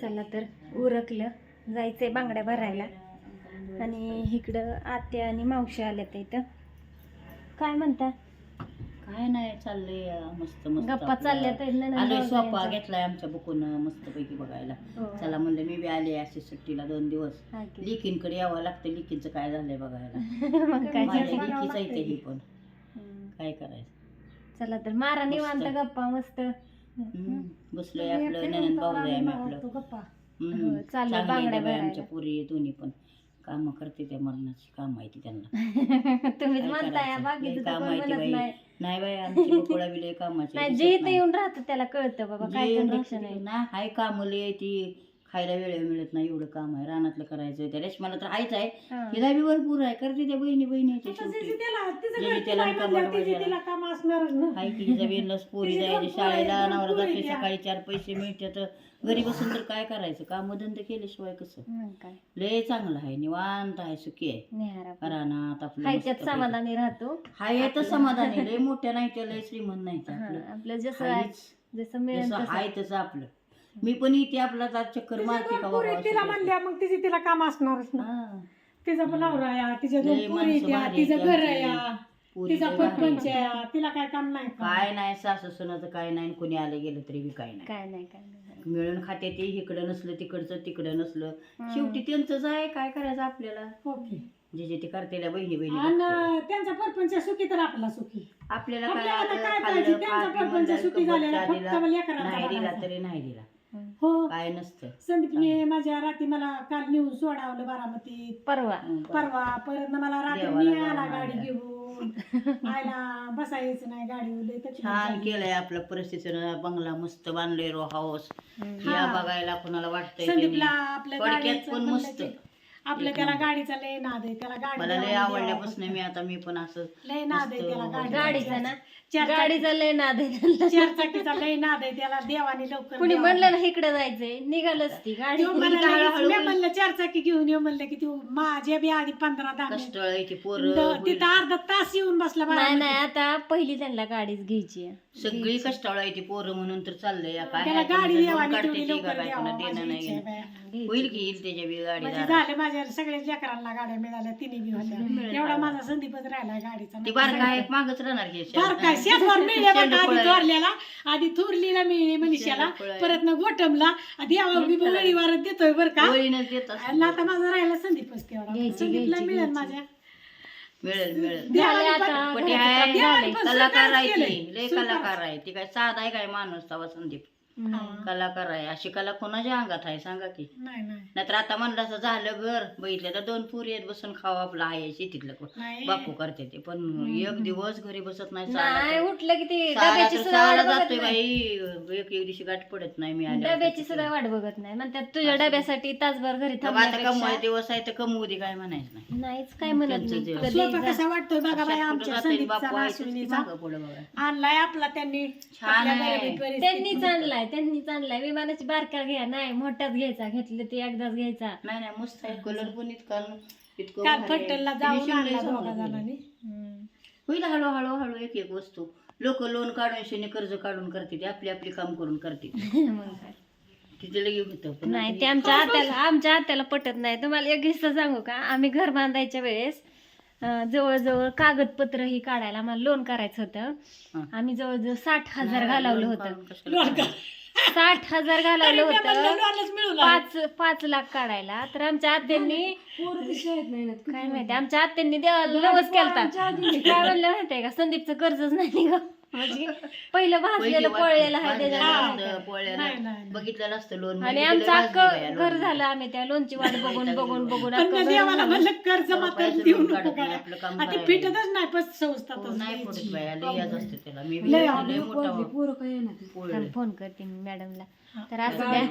चला तर उरकलं जायचंय बांगड्या भरायला आणि इकडं आत्या आणि मावशी आल्या तर इथं काय म्हणता काय नाही चाललंय मस्त मस्त गप्पा चालल्या तर आलोय सोफा घेतलाय आमच्या बुकून मस्त पैकी बघायला चला म्हणलं मी बी आले अशी सुट्टीला 2 दिवस लिकींकडे यावं लागतं लिकींचं काय झालंय बघायला माझ्या लिकीच आहे ही पण काय करायचं चला तर मारा निवांत गप्पा मस्त बसलोय आपलं ननंद भाऊ आहे आपलं चाललंय बांगड्या भरायला आमच्या पुरी दोन्ही पण काम करते त्या मरणाची काम माहिती त्यांना तुम्हीच म्हणताय बाकीचं तर कोण म्हणत नाही नाही बाई आमची बकोळा बिले कामाची नाही जे इथं येऊन राहतं त्याला कळतं बाबा काय कंडिशन आहे ना हाय कामले आहे ती खायला वेळ मिळत नाही एवढं काम आहे रानातलं करायचं त्या रेशमाला तर हायच आहे हिला बी भरपूर आहे करते त्या बहिणी हाय की हिचा बेनलाच पोरी जायचे शाळेला नवरा जाते सकाळी 4 पैसे मिळतात घरी बसून तर काय करायचं काम धंदे केल्याशिवाय कसं लय चांगलं आहे निवांत आहे सुखी आहे रानात आपलं समाधानी राहतो हाय तर समाधानी लय मोठ्या नाही त्या लय श्रीमंत नाही आपलं जसं मिळेल आहे तसं आपलं मी पण इथे आपला चक्कर मारते का बाबा तिला म्हणल्या मग तिला काम असणारच ना तिचा पण नवरा या तिच्या 2 पोरी द्या तिचं घर या तिचा सरपंच या तिला काय काम नाही काय नाही सासू सुनाचं काय नाही कोणी आले गेलं तरी बी काय नाही मिळून खाते ते इकडं नसलं तिकडं नसलं शेवटी त्यांचंच आहे काय करायचं आपल्याला ओके जे ते करतेल्या बहिणी आणि त्यांचा परपंच सुखी तर आपला सुखी आपल्याला काय पाहिजे त्यांचा परपंच सुखी झालेला फक्त नाही दिला तरी नाही दिला हो काय नसतं संदीपने माझ्या रात्री मला काल नेऊन सोडावलं बारामतीत परवा परत मला रात्री मी आला गाडी घेऊन आयला बसायचं नाही गाडीवर छान केलंय आपलं परिस्थितीनं बंगला मस्त बांधलंय रो हाऊस या बघायला कोणाला वाटतंय संदीपला आपल्या थोडक्यात पण मस्त आपल्या त्याला गाडीचा लय नाद आहे त्याला मला लय आवडल्यापासून मी पण असं लय नाद आहे त्याला गाडीचा ना गाडीचा लय नाद आहे 4 चाकीचा लय नाद आहे त्याला देवाने लवकर कुणी म्हणलं ना इकडे जायचंय निघालच ती गाडी म्हणलं 4 चाकी घेऊन येऊ म्हणलं की तू माझ्या बी आधी 15-10 कष्ट आहे पोरं तिथं अर्धा तास येऊन बसला नाही आता पहिली त्यांना गाडीच घ्यायची सगळी कष्टाळू आहे ती पोरं म्हणून तर चाललंय त्याला गाडी देवाने देणं नाही होईल की येईल त्याच्या बी गाडी झाले माझ्या सगळ्या लेकरांना गाड्या मिळाल्या तिने बी होत्या एवढा माझा संदीपच राहिला गाडीचा ती बारका आहे मागच राहणार की बारका शेतवर मिळले आधी थोरल्याला आधी थोरलीला मिळली मनीषाला परत ना गोटमला आधी वळीवारच देतोय बरं का आता माझा राहिला संदीपच तेवढा संदीपला मिळेल माझ्या मिळेल कलाकार आहे लय कलाकार आहे ती काय साधा आहे काय माणूस तवा संदीप कलाकार आहे अशी कला कोणाच्या अंगात आहे सांगा की नाहीतर आता म्हणलं असं झालं घर बघितलं तर 2 पोरी आहेत बसून खावा आपलं आहे शेतीतलं बापू करते ते पण एक दिवस घरी बसत नाही उठलं की ते जातोय बाई एक दिवशी गाठ पडत नाही मी डब्याची सुद्धा वाट बघत नाही म्हणतात तुझ्या डब्यासाठी तासभर घरी आता कमवाय दिवस आहे तर कमवू दे काय म्हणायचं नाही नाहीच काय म्हणत कसा वाटतोय बघा बाई आमच्या आणलाय आपला त्यांनी त्यांनीच आणलाय विमानाची बारका घ्या नाही मोठाच घ्यायचा घेतलं ते एकदाच घ्यायचा नाही मस्त आहे कलर पण इतकं काल फट्टलला जाऊन आणला दोघा जणांनी होईल हळूहळू एक वस्तू लोक लोन काढून शेने कर्ज काढून करते ते आपली काम करून करते तिथे लगे होतं नाही ते आमच्या आत्याला पटत नाही तुम्हाला एक किस्सा सांगू का आम्ही घर बांधायच्या वेळेस जवळजवळ कागदपत्र ही काढायला आम्हाला लोन करायचं होतं आम्ही जवळजवळ 60,000 घालवलं होतं 60,000 घालवलं होतं 5 लाख काढायला तर आमच्या आत्यांनी काय माहिती आमच्या आत्यांनी देवाला नवस केलता काय म्हणलं माहितीये का संदीपचं कर्जच नाही ग म्हणजे पहिलं भाजलेलं पळलेलं आहे त्याच्या बघितलेलं असतं लोन आणि आमचं अख्खं घर झालं आम्ही त्या लोनची वाट बघून कर्ज मात्र फिटतच नाही फोन करते मी मॅडमला तर असं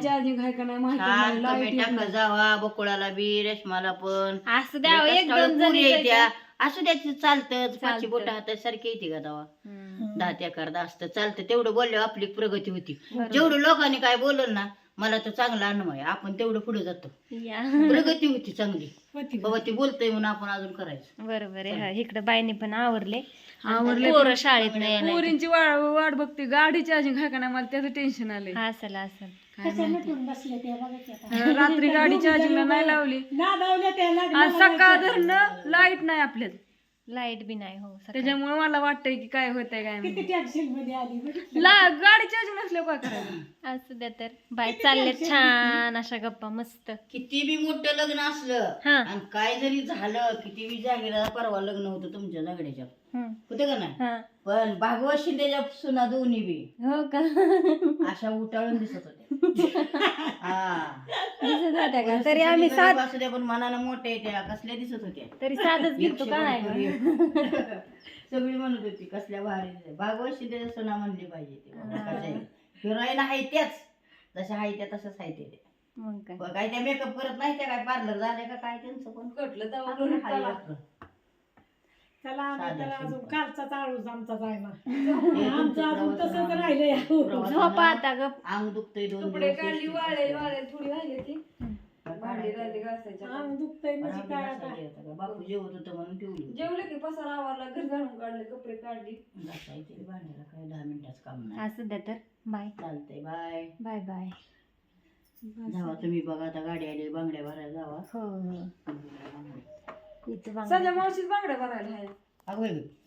जावा बकुळाला बी रेशमाला पण असं द्यावं 1-2 जण असू द्यायचं चालतं 5 बोट हातात सारखी येते का दवा 10 एकर असतं चालतं तेवढं बोलल्यावर आपली प्रगती होती जेवढं लोकांनी काय बोललं ना मला तर चांगला अनुभव आहे आपण तेवढं पुढे जातो प्रगती होती चांगली बाबा ती बोलतोय म्हणून आपण अजून करायचं बरोबर आहे इकडे बाईने पण आवरले पोरं शाळेत नाही पोरींची वाट बघते गाडीची अजून काय का मला त्याचं टेन्शन आलंय असेल कशा नटून बसले ते बघा की आता. रात्री गाडी चार्जिंगला नाही लावली नादावल्या त्या आज लग्नाला सकाळ धरणं लाईट नाही आपल्यात लाईट बी नाही हो सकाळी. त्याच्यामुळे मला वाटतंय की काय होतंय काय किती टेन्शन मध्ये आली बघितलं. गाडी चार्जिंग नसल्यावर काय करायचं असू द्या तर बाय चालल्यात छान अशा गप्पा मस्त. किती बी मोठं लग्न असलं हा. आणि काय जरी झालं किती बी जागेला परवा लग्न होतं तुमच्या झगड्याच्या होतं का नाही हा. पण भागवत शिंदेच्या सुना दोन्ही बी हो का अशा उठाळून दिसत होत्या हा दिसत होत्या का तरी आम्ही सात असू द्या पण मनानं मोठ्या त्या कसल्या दिसत होत्या तरी साधच घेतो का नाही का? सगळी म्हणत होती कसल्या भारी भागवत शिंदेच्या सुना म्हणली पाहिजे ते हिरोईन आहे त्याच जशा आहे त्या तशाच आहे ते मग काय काय त्या मेकअप करत नाही त्या काय पार्लर झाले का काय त्यांचं पण कटलं चला आम्ही तर अजून कालचा चाळूच आमचा जायना आमचं अजून तसंच राहिलंय. झोपा आता गप. अंग दुखतंय दोन कपडे दिवस काढली वाळे थोडी वाळली ती काय भांडी राहिली घासायच्या अंग दुखतंय म्हणजे काय आता. बापू जेवत होतं म्हणून ठेवली जेवले की पसारा आवरला घर झाडून काढले कपडे काढली घासायचे भांड्याला काय 10 मिनिटाचं काम नाही असू द्या तर बाय चालतंय बाय बाय बाय. जावा तुम्ही बघा आता गाडी आली बांगड्या भरायला जावा हो हो इथं बघा. सध्या मावशीच बांगड्या भरायला आहे अगं